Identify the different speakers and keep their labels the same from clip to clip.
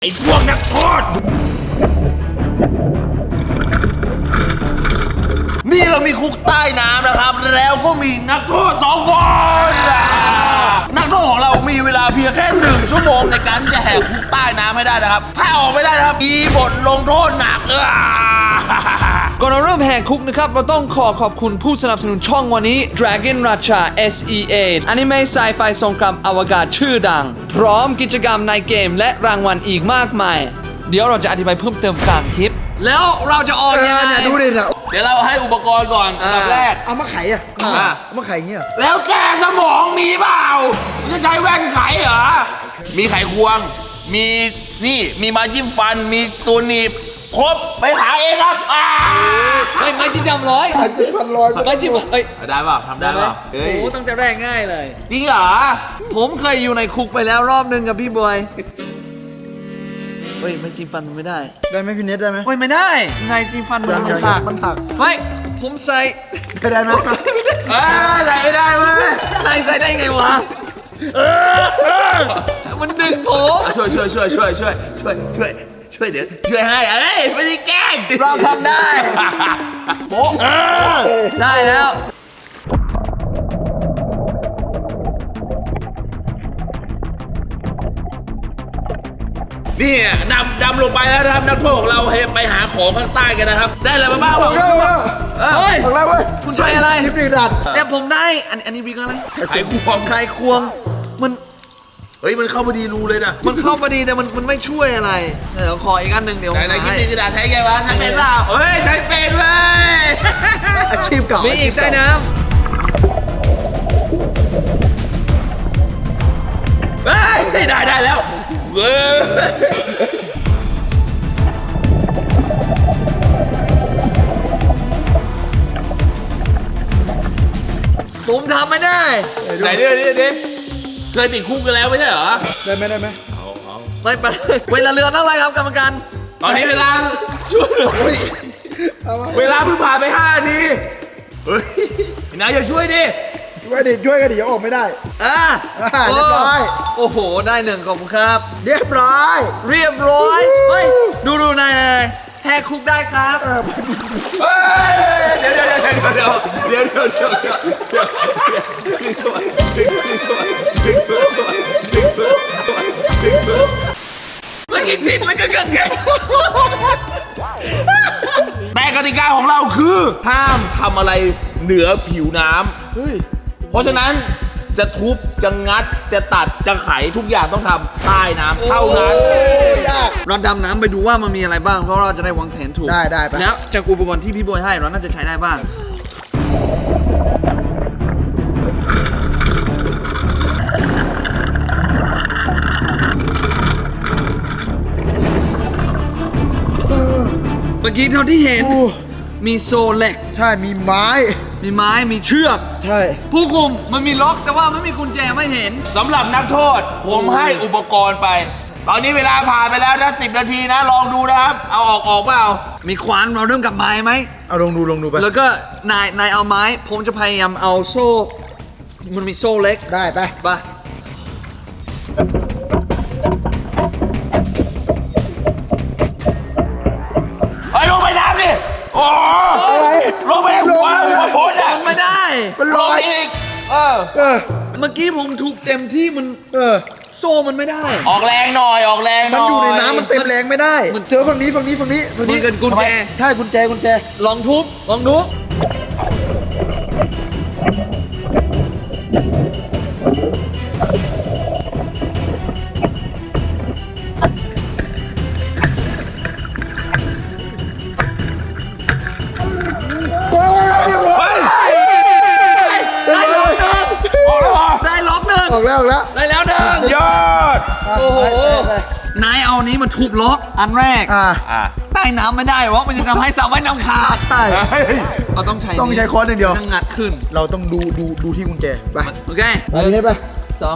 Speaker 1: ไอ้พวกนักโทษนี่เรามีคุกใต้น้ำนะครับแล้วก็มีนักโทษ2 คนนักโทษของเรามีเวลาเพียงแค่1 ชั่วโมงในการที่จะแหกคุกใต้น้ำให้ได้นะครับถ้าออกไม่ได้นะครับมีบทลงโทษหนัก
Speaker 2: ก่อนเราเริ่มแหกคุกนะครับเราต้องขอบคุณผู้สนับสนุนช่องวันนี้ Dragon Racha SEA อนิเมะไซไฟสงครามอวกาศชื่อดังพร้อมกิจกรรมในเกมและรางวัลอีกมากมายเดี๋ยวเราจะอธิบายเพิ่มเติมกลางคลิปแล้วเราจะออกยังไง
Speaker 3: ดูดิเนี่ย
Speaker 1: เดี๋ยวเราให้อุปกรณ์ก่อนอันดับแรก
Speaker 3: เอามาไขเอามาไขอย่างเงี้ย
Speaker 1: แล้วแกสมองมีเปล่าจะใช้แว่นไขเหรอมีไขควงมีนี่มีไม้จิ้มฟันมีตัวหนีบครบไปหาเองครับ
Speaker 2: ไม่จิ้มจำร้อย
Speaker 3: ไขฟันลอย
Speaker 2: ไม่จิ้ม
Speaker 1: ได้เปล่าทำได้เปล่า
Speaker 2: โอ้โหตั้งแต่แรกง่ายเลย
Speaker 1: จริงเหรอ
Speaker 2: ผมเคยอยู่ในคุกไปแล้วรอบนึงกับพี่บอยเฮ้ยไม่จิ้มฟันมันไม่ได้
Speaker 3: ไหมพี่เน็ตได้ไหม
Speaker 2: ไม่ได้ไงจิ้มฟันมันหักเฮ้ยผมใส่
Speaker 3: ได้ไหม
Speaker 1: ใส่ไม่ได้เว้ย
Speaker 2: ใส่ได้ไงวะมันดึงผม
Speaker 1: ช่วยเดี๋ยวช่วยให้ไม่ได้แกล้ง
Speaker 2: เราทำได้โป๊ะได้แล้ว
Speaker 1: นี่ดำลงไปแล้วนะครับนักโทษของเราไปหาของข้างใต้กันนะครับได้อะไรมาบ้าง
Speaker 3: บอกแล้ว
Speaker 2: เฮ้ย
Speaker 3: บอกแล้วเว้ย
Speaker 2: คุณใช้อะไร
Speaker 3: ลิปดิดัด
Speaker 2: แต่ผมได้อันนี้บิ๊กอะไร
Speaker 1: ไขควง
Speaker 2: มัน
Speaker 1: เฮ้ยมันเข้าพอดีรูเลยนะ
Speaker 2: มันเข้าพอดีแต่มันไม่ช่วยอะไรเดี๋ยวขออีกอันหนึ่งเดี๋ยว
Speaker 1: ไหนลิปดิดัดใช้ไงวะใช้เป็นเปล่าเฮ้ยใช้เป็นเว้ย
Speaker 3: อาชีพเก่า
Speaker 2: มีอีกใต้น้ำ
Speaker 1: ได้แล้วเว้ย
Speaker 2: ผมทำไม่ได้
Speaker 1: ไหนดิเคยติดคุกกันแล้วไม่ใช่เหรอ
Speaker 3: ได้ไหม
Speaker 2: ไปเวลาเรือเท่าไรครับกรรมการ
Speaker 1: ตอนนี้เวลาช่วยหน่อยเวลาเพิ่งผ่านไป5 นาทีเฮ้ยนายอย่าช่วยดิ
Speaker 3: ช่วยกันดิอย่าออกไม่ได้เรียบร้อย
Speaker 2: โอ้โหได้1ขอบคุณครับ
Speaker 3: เรียบร้อย
Speaker 2: เฮ้ยดูนายแหกคุกได้ครับ
Speaker 1: เดี๋ยว
Speaker 2: มันกินติดแล้วก็เกินไง
Speaker 1: แต่กติกาของเราคือห้ามทำอะไรเหนือผิวน้ำเพราะฉะนั้นจะทุบจะงัดจะตัดจะไขทุกอย่างต้องทำใต้น้ำเท่านั้น
Speaker 2: เราดำน้ำไปดูว่ามันมีอะไรบ้างเพราะเราจะได้วางแผนถูก
Speaker 3: ได้ไป
Speaker 2: แล้วจากอุปกรณ์ที่พี่บอยให้เราน่าจะใช้ได้บ้างเมื่อกี้เท่าที่เห็นมีโซ่เหล็ก
Speaker 3: ใช่มีไม้
Speaker 2: มีเชือก
Speaker 3: ใช่
Speaker 2: ผู้คุมมันมีล็อกแต่ว่าไม่มีกุญแจไม่เห็น
Speaker 1: สำหรับนักโทษผมให้อุปกรณ์ไปตอนนี้เวลาผ่านไปแล้วนะ10 นาทีนะลองดูนะครับเอาออกเปล่า
Speaker 2: มีขวานเราเริ่มกับไม้ไหม
Speaker 3: เอาลองดูไป
Speaker 2: แล้วก็นายเอาไม้ผมจะพยายามเอาโซ่มันมีโซ่เล็ก
Speaker 3: ได้ไป
Speaker 1: ลงไปน้ำดิโอ้ลงไปหัวพ้นอ่ะ
Speaker 2: ไม่ได้
Speaker 3: มันลอย
Speaker 1: อีก
Speaker 2: เมื่อกี้ผมถูกเต็มที่มันโซ่มันไม่ได้
Speaker 1: ออกแรงหน่อย
Speaker 3: มันอยู่ในน้ำมันเต็มแรงไม่ได้เจอฝั่งนี้
Speaker 2: มันเกินกุญแจ
Speaker 3: ใช่กุญแจ
Speaker 2: ลองทุบได้ล็อกหนึ่ง
Speaker 3: ออกแล้ว
Speaker 2: ได้แล้ว1
Speaker 1: ยอด
Speaker 2: โอ้โหนายเอานี้มาทุบล็อกอันแรกใต้น้ำไม่ได้เพราะมันจะทำให้สระว่ายน้ำขาดเราต้องใช้
Speaker 3: ค้อนอย่างเดียว
Speaker 2: งัดขึ้น
Speaker 3: เราต้องดูที่กุญแจไป
Speaker 2: โอเค
Speaker 3: ไปนี่ไป
Speaker 2: 2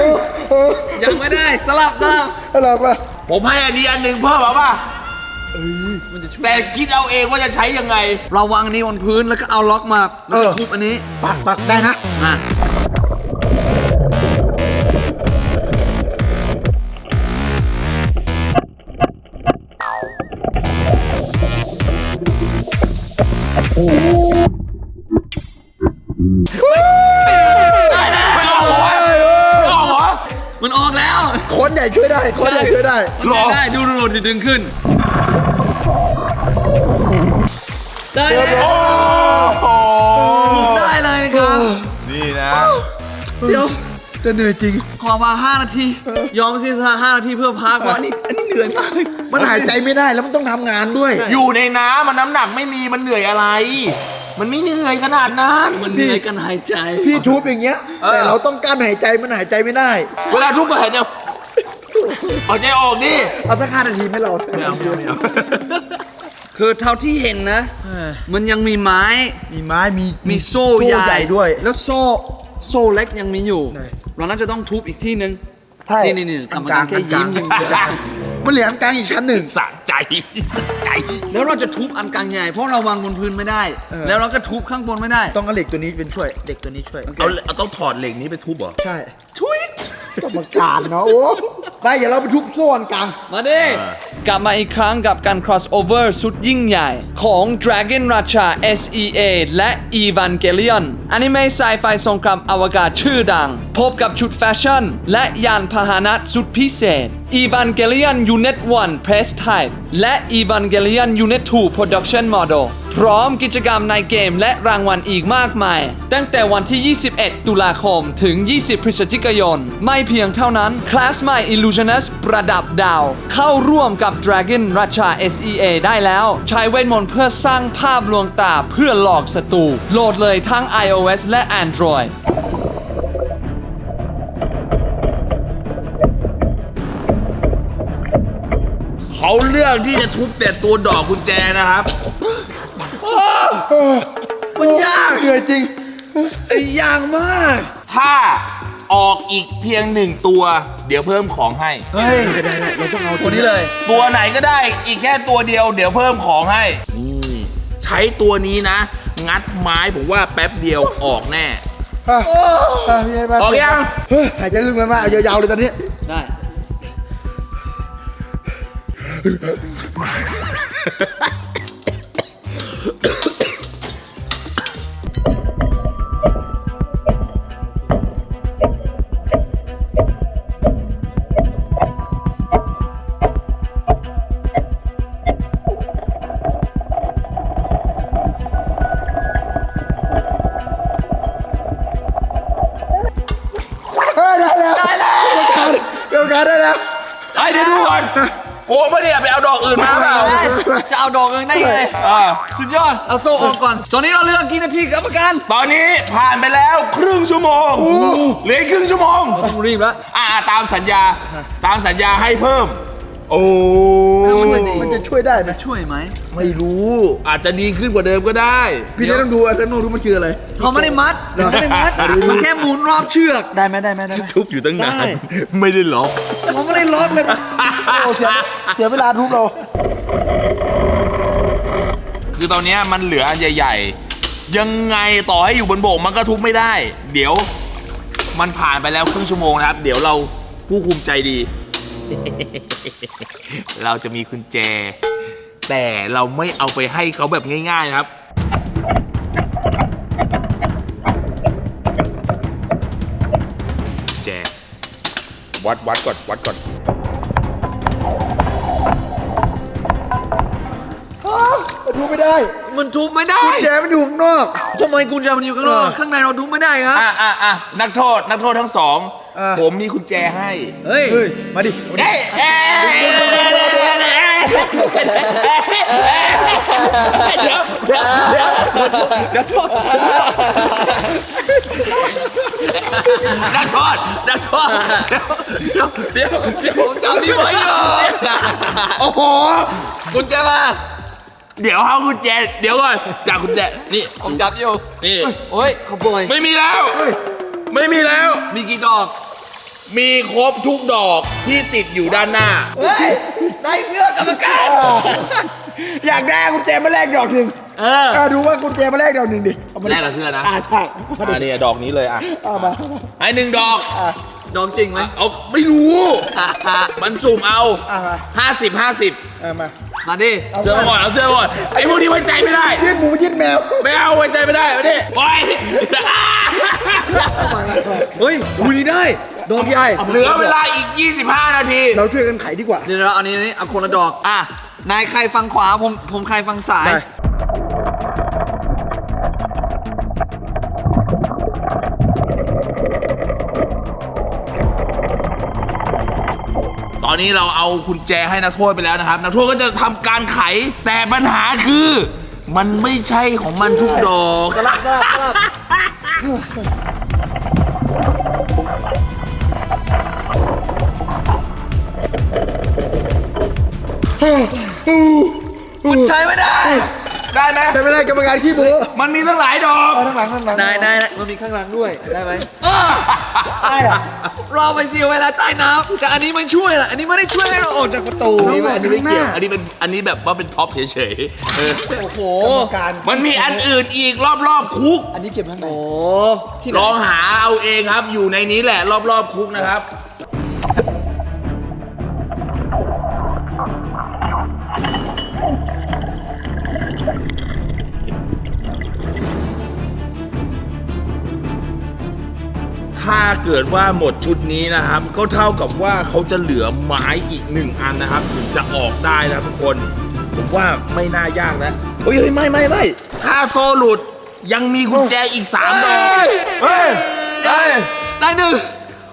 Speaker 2: ยังไม่ได้สลับ
Speaker 3: อะไรป่ะ
Speaker 1: ผมให้อันนี้อันหนึ่งเพิ่มเอาป่ะแต่คิดเอาเองว่าจะใช้ยังไง
Speaker 2: เราวางอันนี้บนพื้นแล้วก็เอาล็อกมาแล้วก็ทุบอันนี้
Speaker 3: ปักได้นะ
Speaker 2: อ่ะ
Speaker 1: ไม่ออกเหรอวะไม่ออกเหรอ
Speaker 2: มันออกแล้ว
Speaker 3: คนใหญ่ช่วยได้คนใหญ่ช่วยได้
Speaker 1: หรอ
Speaker 2: ได้ดูดึงขึ้น ได้แล้ว
Speaker 1: โอ้โห
Speaker 2: ได้เลยครับ
Speaker 1: นี่นะ
Speaker 2: เดี๋ยว
Speaker 3: จะเหนื่อยจริง
Speaker 2: ขอมา5 นาที ยอมเสียสละ5 นาทีเพื่อพักเพราะอันนี้เหนื่อยมาก
Speaker 3: มันหายใจไม่ได้แล้วมันต้องทำงานด้วย
Speaker 1: อยู่ในน้ำมันน้ำหนักไม่มีมันเหนื่อยอะไร มันไม่เหนื่อยขนาดนั้น
Speaker 2: มันเหนื่อยกันหายใจ
Speaker 3: พี่ทุบอย่างเงี้ย แต่เราต้องกั้นหายใจมันหายใจไม่ได้
Speaker 1: เวลาทุกคนหายใจเอาใจออกดิ
Speaker 3: เอาสัก5 นาทีให้เรา
Speaker 1: ไม่เอาไม่เอาไม่เอา
Speaker 2: คือเท่าที่เห็นนะ มันยังมีไม้
Speaker 3: มีไม้มี
Speaker 2: โซ่
Speaker 3: ใหญ่ด้วย
Speaker 2: แล้วโซ่เล็กยังมีอยู่
Speaker 3: ใช่
Speaker 2: เราน่าจะต้องทุบอีกที่นึง
Speaker 3: ใช่
Speaker 2: นี่กรรมการแค่ยิ้ม
Speaker 3: มันเหลืออันกลางอีกชั้นหนึ่ง
Speaker 1: สะใจสะใจ
Speaker 2: แล้วเราจะทุบอันกลางใหญ่เพราะเราวางบนพื้นไม่ได้ แล้วเราก็ทุบข้างบนไม่ได้
Speaker 3: ต้องเอาเหล็กตัวนี้เป็นช่วยเด็กตัวนี้ช่วย
Speaker 1: เอาต้องถอดเหล็กนี้ไปทุบเหรอ
Speaker 3: ใช่ช่วยกรรมการเนาะโอ้ได้อย่าเราไปทุบโซ่อันกลาง
Speaker 2: มาดิ กลับมาอีกครั้งกับการ crossover สุดยิ่งใหญ่ของ Dragon Racha SEA และ Evangelion อนิเมะไซไฟสงครามอวกาศชื่อดัง พบกับชุดแฟชั่น และยานพาหนะสุดพิเศษ Evangelion Unit 1 Press Type และ Evangelion Unit 2 Production Model พร้อมกิจกรรมในเกมและรางวัลอีกมากมาย ตั้งแต่วันที่ 21 ตุลาคมถึง 20 พฤศจิกายน ไม่เพียงเท่านั้น คลาสใหม่ Illusionist ประดับดาว เข้าร่วมกับ Dragon Racha SEA ได้แล้ว ใช้เวทมนต์เพื่อสร้างภาพลวงตาเพื่อหลอกศัตรูโหลดเลยทั้ง iOS และ Android
Speaker 1: เขาเลือกที่จะทุบแต่ตัวดอกกุญแจนะครับ
Speaker 2: มันยาก
Speaker 3: เหนื่อยจริง
Speaker 2: ยากมาก
Speaker 1: ถ้าออกอีกเพียง1 ตัว เดี๋ยวเพิ่มของให้
Speaker 3: เฮ้ยได้เราต้องเอา
Speaker 2: ตัวนี้เลย
Speaker 1: ตัวไหนก็ได้อีกแค่ตัวเดียวเดี๋ยวเพิ่มของให้ นี่ใช้ตัวนี้นะ งัดไม้ผมว่าแป๊บเดียวออกแน่
Speaker 3: พี่ให้มา
Speaker 1: ออกยัง
Speaker 3: เฮ้ยหายใจลึกมากๆเอายาวๆเลยตอนนี้
Speaker 2: ได้
Speaker 3: เฮ้ยได้แล้วเกี่ยวกันได้แล้ว
Speaker 1: ไอ้เดี๋ยวดูก่อนโกงปะเนี่ยไปเอาดอกอื่นมาเปล่า
Speaker 2: จะเอาดอกเงินได้ไง
Speaker 1: อ่า
Speaker 2: สุดยอด เอาโซ่ออกก่อน ตอนนี้เราเลือกกี่นาทีกรรมการ
Speaker 1: ตอนนี้ผ่านไปแล้วครึ่งชั่วโมงเหลืออีกครึ่งชั่วโมง
Speaker 2: ต้องรีบแล้ว
Speaker 1: ตามสัญญาให้เพิ่ม โอ้
Speaker 3: มันจะช่วยได้ไหม
Speaker 2: ช่วยไหม
Speaker 1: ไม่รู้อาจจะดีขึ้นกว่าเดิมก็ได้
Speaker 3: พี่ได้ต้องดูอันนั้นดูมันคืออะไร
Speaker 2: เขาไม่ได้มัดเขาไม่ได้มัด มันแค่หมุนรอบเชือก
Speaker 3: ได้ไหม
Speaker 1: ทุบอยู่ตั้งนาน
Speaker 2: ได้
Speaker 1: ไม่ได้ล็อก
Speaker 2: เขาไม่ได้ล็อกเลย
Speaker 3: โอ้เสียเวลาทุบเรา
Speaker 1: คือตอนเนี้ยมันเหลืออันใหญ่ๆ ยังไงต่อให้อยู่บนบกมันก็ทุบไม่ได้ เดี๋ยวมันผ่านไปแล้วครึ่งชั่วโมงนะครับ เดี๋ยวเราผู้คุมใจดี เราจะมีกุญแจ แต่เราไม่เอาไปให้เขาแบบง่ายๆนะครับ กุญแจ วัดก่อน
Speaker 3: มันทุบไม่ได้
Speaker 2: มันทุบไม่ได้
Speaker 3: แกมันอยู่ข้างนอก
Speaker 2: ทำไมกุญแจมันอยู่ข้างนอก ข้างในเราทุบไม่ได้ครับ
Speaker 1: นักโทษทั้งสอง ผมมีกุญแจให้
Speaker 2: เฮ้ย
Speaker 3: เฮ้ย มาดิ
Speaker 1: เอ้ยเดี๋ยวนักโทษเดี๋ยว
Speaker 2: ผมจำพี่ไว้อยู่
Speaker 1: โอ้โห
Speaker 2: กุญแจมา
Speaker 1: เดี๋ยวเอากุญแจเดี๋ยวก่อนจากกุญแจนี่
Speaker 2: ผมจับอยู่
Speaker 1: นี่
Speaker 2: โอ้ยขโมย
Speaker 1: ไม่มีแล้ว
Speaker 3: เฮ้ย
Speaker 1: ไม่มีแล้ว
Speaker 2: มีกี่ดอก
Speaker 1: มีครบทุกดอกที่ติดอยู่ด้านหน้า
Speaker 2: เฮ้ย ได้เสื้อกรรมการ
Speaker 3: อยากได้กุญแจมาแลกดอกหนึ่งดูว่ากุญแจมาแลกดอกหนึ่งดิเอามา
Speaker 1: แลกกับเสื้อนะ
Speaker 3: ใช่
Speaker 1: อันนี้ดอกนี้เลยอ่ะ
Speaker 3: เอามา
Speaker 1: ให้หนึ่งดอก
Speaker 2: ดองจริงไหม
Speaker 1: เอาไม่รู้ มันสุ่มเอา
Speaker 3: เอามา
Speaker 1: 50
Speaker 3: เอามา
Speaker 2: มาดิ
Speaker 1: เสื้อมาก่อนเอาเสื้อมาก่อนไอ้พวกนี้ไว้ใจไม่ได้
Speaker 3: ยื่นหมูยื่นแมว
Speaker 1: ไม่เอาไว้ใจไม่ได้ไม่ได้โอ้ย
Speaker 2: เฮ้ยอุ้ยนี่ได้ ดอกใหญ่
Speaker 1: เหลือเวลาอีก 25 นาที
Speaker 3: เราช่วยกันไขดีกว่า
Speaker 2: เดี๋ยวเอานี้เอาคนละดอก อ่ะ นายใครฟังขวา ผมใครฟังซ้าย
Speaker 3: ได้
Speaker 1: ตอนนี้เราเอากุญแจให้นักโทษไปแล้วนะครับ นักโทษก็จะทำการไข แต่ปัญหาคือ มันไม่ใช่ของมันทุกดอก
Speaker 2: สลับ คุณใช้ไม่ได้
Speaker 1: ได้ไหม
Speaker 3: แต่ไม่ได้กรรมการขี้หมู
Speaker 1: มันมีตั้งหลายดอก
Speaker 3: เอาทั้งหลังทั้งหลัง
Speaker 2: นายมันมีข้างหลังด้วย ได้ไหม
Speaker 3: ได้เหรอ
Speaker 2: เราไปเสียเวลาใต้น้ำแต่อันนี้มันช่วยล่ะ อันนี้ไม่ได้ช่วยให้เราออกจากประตู
Speaker 1: อันนี้ไม่เกี่ยวอันนี้แบบว่าเป็นท็อปเฉยๆ
Speaker 2: โอ้โห
Speaker 3: กรรมการ
Speaker 1: มันมีอันอื่นอีกรอบๆคุก
Speaker 3: อันนี้เก็บข้างใน
Speaker 2: โอ้ที่ไห
Speaker 1: ล
Speaker 2: น
Speaker 1: องหาเอาเองครับ อยู่ในนี้แหละรอบๆคุกนะครับ ถ้าเกิดว่าหมดชุดนี้นะครับ ก็เท่ากับว่าเขาจะเหลือไม้อีก1 อันนะครับ ถึงจะออกได้นะทุกคน ผมว่าไม่น่ายากนะเฮ้ยไม่ถ้าโซหลุดยังมีกุญแจอีก3 ดอกเฮ้ย
Speaker 2: ได้หนึ่ง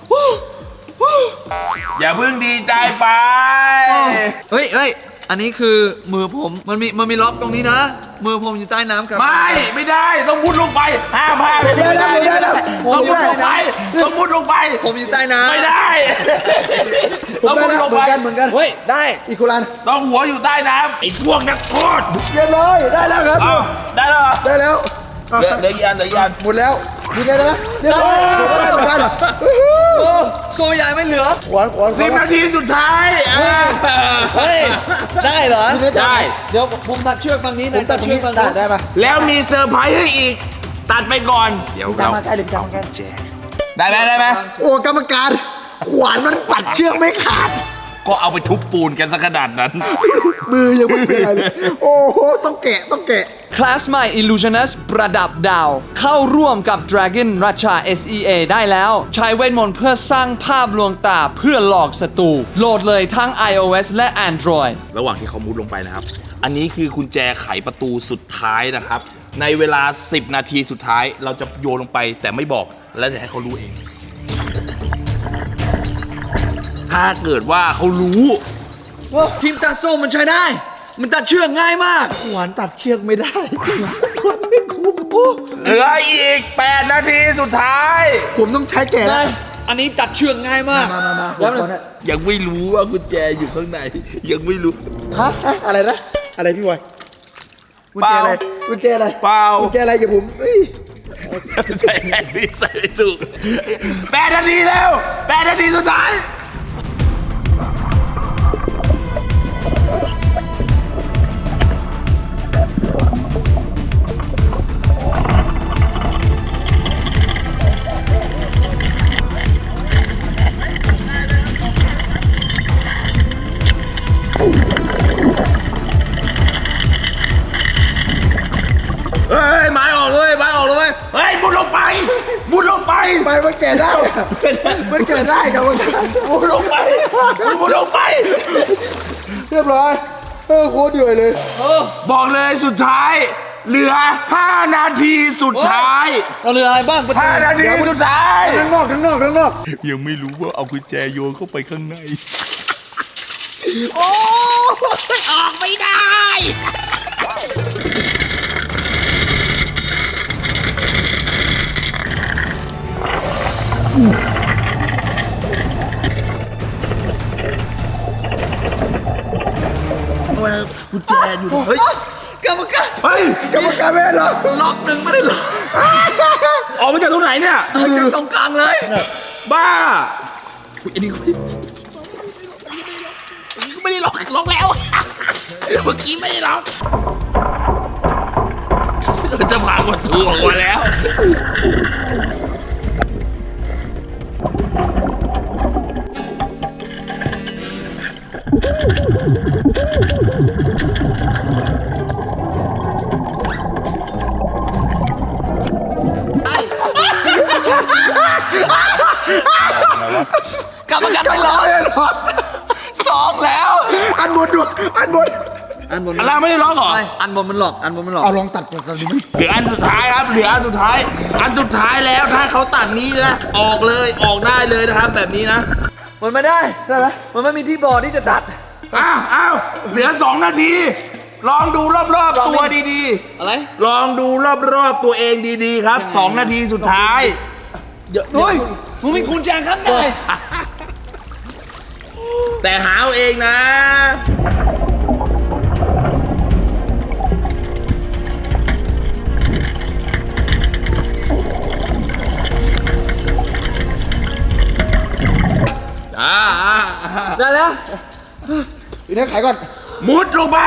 Speaker 1: อย่าเพิ่งดีใจไป
Speaker 2: เฮ้ย อันนี้คือมือผม มันมีล็อกตรงนี้นะ มือผมอยู่ใต้น้ำครับ
Speaker 1: ไม่ได้ต้องมุดลงไปห้ามไม่ได้ต้องมุดลงไปต้องมุดลงไป
Speaker 2: ผมอยู่ใต้น้ำ
Speaker 1: ไม่ได้
Speaker 3: ผม
Speaker 1: ต้อง
Speaker 3: ได้
Speaker 1: มุด
Speaker 3: แล้ว
Speaker 1: ลง
Speaker 3: เหมื
Speaker 1: ไป
Speaker 3: อนกัน
Speaker 2: เฮ้ย ได้
Speaker 3: อีกคนละ
Speaker 1: ต้องหัวอยู่ใต้น้ำไอ้พวกนักโทษ
Speaker 3: เรียบร้อยได้แล้วครับ
Speaker 1: เอาได้แล้วเหรอ
Speaker 3: ได้แล้ว
Speaker 1: เหลืออีกอันเหลืออีกอัน
Speaker 3: หมดแล้วมีได้แล้วเรียบร้อยได้เหมือนกัน
Speaker 2: โอ้โซใหญ่ไม่เหลือ
Speaker 3: ขวาน
Speaker 1: 10 นาทีสุดท้าย
Speaker 2: เฮ้ย ได้เหรอ
Speaker 1: ได้
Speaker 2: เดี๋ยวผมตัดเชือกฝั่งนี้
Speaker 3: ผม
Speaker 2: นะ
Speaker 3: ตั
Speaker 2: ตั
Speaker 3: ด
Speaker 2: ด
Speaker 3: เชื
Speaker 2: เชื
Speaker 3: อ
Speaker 2: อก กฝั่ง
Speaker 3: ตั
Speaker 2: นี้
Speaker 3: ดได้ปะ
Speaker 1: แล้วมีเซอร์ไพรส์ให้อีก ตัดไปก่อน เดี๋ยว
Speaker 3: จับ
Speaker 1: เรา
Speaker 3: มาใกล้เดี๋ยวจับมาใกล้
Speaker 1: ได้ไหม
Speaker 3: โอ้กรรมการขวานมันปัดเชือกไม่ขาด
Speaker 1: ก็เอาไปทุบปูนกันสักขนาดนั้น
Speaker 3: มือยังไม่เป็นไรเลย โอ้โหต้องแกะ
Speaker 2: คลาสใหม่ Illusionist ประดับดาว เข้าร่วมกับ Dragon Racha SEA ได้แล้ว ใช้เวทมนต์เพื่อสร้างภาพลวงตาเพื่อหลอกศัตรูโหลดเลยทั้ง iOS และ Android
Speaker 1: ระหว่างที่เขามุดลงไปนะครับ อันนี้คือกุญแจไขประตูสุดท้ายนะครับ ในเวลา 10 นาทีสุดท้าย เราจะโยนลงไปแต่ไม่บอก แล้วจะให้เขารู้เอง ถ้าเกิดว่าเขารู้
Speaker 2: ทีมตัดโซ่มันใช้ได้ มันตัดเชือกง่ายมาก
Speaker 3: ขวานตัดเชือกไม่ได้ขวานไม่คุ้มโอ้
Speaker 1: เหลืออีก 8 นาทีสุดท้าย
Speaker 3: ผมต้องใช้แกะแล้ว
Speaker 2: อันนี้ตัดเชือกง่ายมาก
Speaker 3: มา
Speaker 2: แล้วมัน
Speaker 3: ก่อนนะ
Speaker 1: ยังไม่รู้ว่ากุญแจอยู่ข้างใน ยังไม่รู้
Speaker 3: ฮะอะไรนะ อะไรพี่บอยกุญแจอะไร
Speaker 1: เปล่า
Speaker 3: กุญแจอะไร
Speaker 1: เปล่า
Speaker 3: กุญแจอะไรอย่าผมเอ้ย
Speaker 1: ใส่แอนนี่ใส่ไม่ถูก8 นาทีแล้ว 8 นาทีสุดท้าย เฮ้ยไม้ออกเลยไม้ออกเลยเฮ้ยมุดลงไปมุดลงไป
Speaker 3: ไปมันแกะได้อะมันแกะได้ครับมัน
Speaker 1: มุดลงไปมุดลงไป
Speaker 3: เรียบร้อยโคตรเดือดเลย
Speaker 1: บอกเลยสุดท้าย เหลือ 5 นาทีสุดท้าย
Speaker 2: เราเหลืออะไรบ้างประตู
Speaker 1: 5 นาทีสุดท้าย
Speaker 3: ทั้งนอก
Speaker 1: ยังไม่รู้ว่าเอากุญแจโยนเข้าไปข้างใน กุญแจอยู่เฮ้ย
Speaker 2: กรรมการ
Speaker 1: เฮ้ย
Speaker 3: กรรมการไม่ได้หรอก
Speaker 2: ล็อกหนึ่งไม่ได้ล็อก
Speaker 1: ออกมาจากตรงไหนเนี่ย
Speaker 2: เอาจากตรงกลางเลย
Speaker 1: บ้าอันนี้ไม่ได้ล็อกแล้ว เมื่อกี้ไม่ได้ล็อกจะผ่านประตูออกมาแล้วกรรมการไม่ล็อกสองแล้ว
Speaker 3: อันบนดูอันบน
Speaker 2: อันบน
Speaker 1: อันล่างไม่ได้ล็อกเหรอ
Speaker 2: อันบนมันหลอกอันบนมันหลอก
Speaker 3: เอาลองตัดก่อนตัดดิมั้ย
Speaker 1: เหลืออันสุดท้ายครับเหลืออันสุดท้าย อันสุดท้ายแล้วถ้าเขาตัดนี้นะออกเลยออกได้เลยนะครับแบบนี้นะ
Speaker 2: มันไม่ได้มันไม่มีที่บอร์ดที่จะตัด
Speaker 1: อ้าวเหลือ2 นาที ลองดูรอบๆตัวดี
Speaker 2: อะไร
Speaker 1: ๆ ลองดูรอบๆตัวเองดีๆครับ2 นาทีสุดท้าย
Speaker 2: เฮ้ยมึงมีกุญแจข้างใน
Speaker 1: แต่หาเอาเองนะ
Speaker 2: ได้แล้ว
Speaker 3: อีนี่ขายก่อน
Speaker 1: มุดลงไป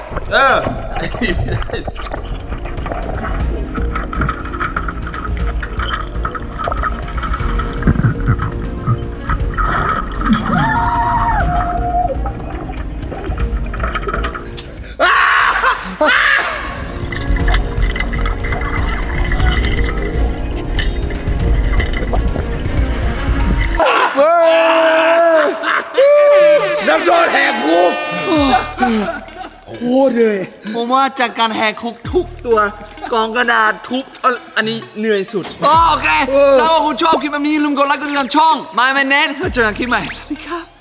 Speaker 1: นักโทษแหกคุก
Speaker 3: โคตรเลย
Speaker 2: ผมว่าจากการแหกคุกทุกตัวกองกระดาษทุบอันนี้เหนื่อยสุดโอเคถ้าว่าคุณชอบคลิปแบบนี้อย่าลืมกดไลค์กดติดตามช่อง My Man Net เจอกันคลิปใหม่สวัสดีครับ